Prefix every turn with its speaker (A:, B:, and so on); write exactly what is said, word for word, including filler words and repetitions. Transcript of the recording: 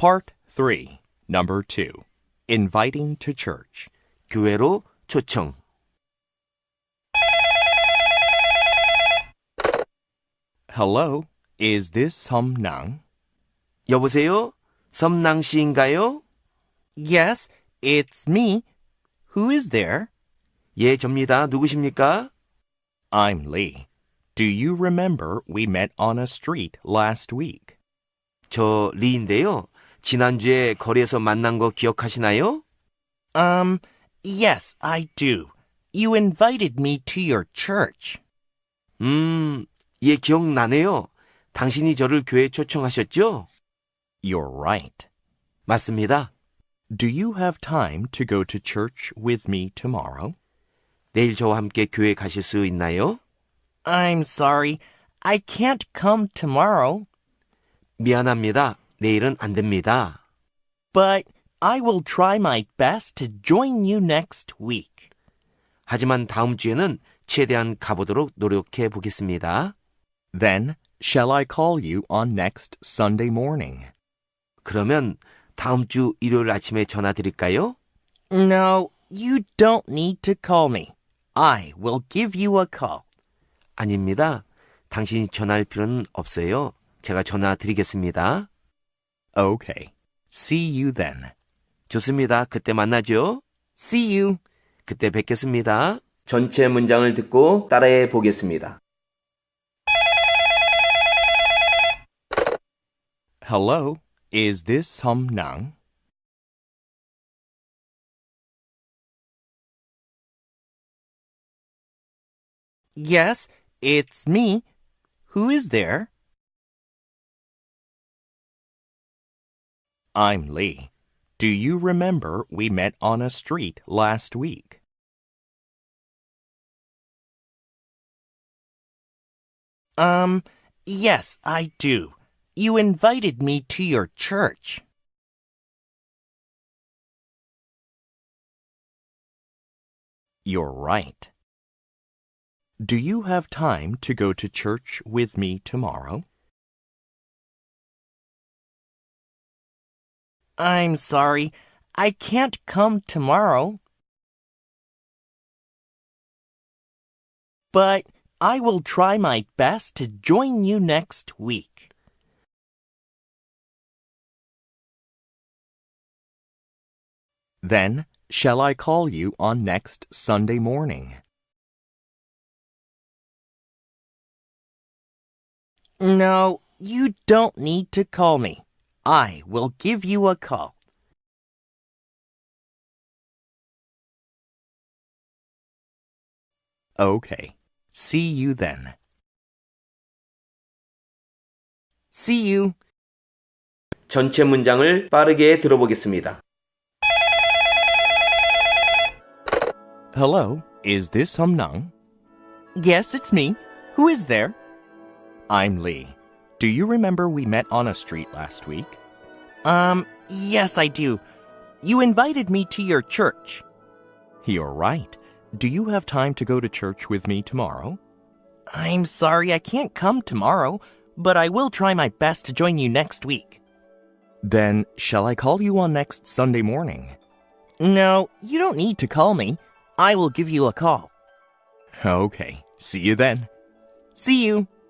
A: Part three, Number two. Inviting to church.
B: 교회로 초청.
A: Hello, is this Sumnang?
B: 여보세요? 섬낭 씨인가요?
A: Yes, it's me. Who is there?
B: 예, 접니다. 누구십니까?
A: I'm Lee. Do you remember we met on a street last week?
B: 저 리인데요. 지난주에 거리에서 만난 거 기억하시나요?
A: Um, yes, I do. You invited me to your church.
B: 음, 예, 기억나네요. 당신이 저를 교회에 초청하셨죠?
A: You're right.
B: 맞습니다.
A: Do you have time to go to church with me tomorrow?
B: 내일 저와 함께 교회 가실 수 있나요?
A: I'm sorry. I can't come tomorrow.
B: 미안합니다. 내일은 안 됩니다.
A: But I will try my best to join you next week.
B: 하지만 다음 주에는 최대한 가보도록 노력해 보겠습니다.
A: Then, shall I call you on next Sunday morning?
B: 그러면 다음 주 일요일 아침에 전화 드릴까요?
A: No, you don't need to call me. I will give you a call.
B: 아닙니다. 당신이 전화할 필요는 없어요. 제가 전화 드리겠습니다.
A: Okay. See you then.
B: 좋습니다. 그때 만나죠.
A: See you.
B: 그때 뵙겠습니다. 전체 문장을 듣고 따라해 보겠습니다.
A: Hello, is this Sumnang? Yes, it's me. Who is there? I'm Lee. Do you remember we met on a street last week? Um, yes, I do. You invited me to your church. You're right. Do you have time to go to church with me tomorrow? I'm sorry. I can't come tomorrow. But I will try my best to join you next week. Then, shall I call you on next Sunday morning? No, you don't need to call me. I will give you a call. Okay. See you then. See you.
B: 전체 문장을 빠르게 들어보겠습니다.
A: Hello, is this Sumnang? Yes, it's me. Who is there? I'm Lee. Do you remember we met on a street last week? Um, yes, I do. You invited me to your church. You're right. Do you have time to go to church with me tomorrow? I'm sorry, I can't come tomorrow, but I will try my best to join you next week. Then, shall I call you on next Sunday morning? No, you don't need to call me. I will give you a call. Okay, see you then. See you.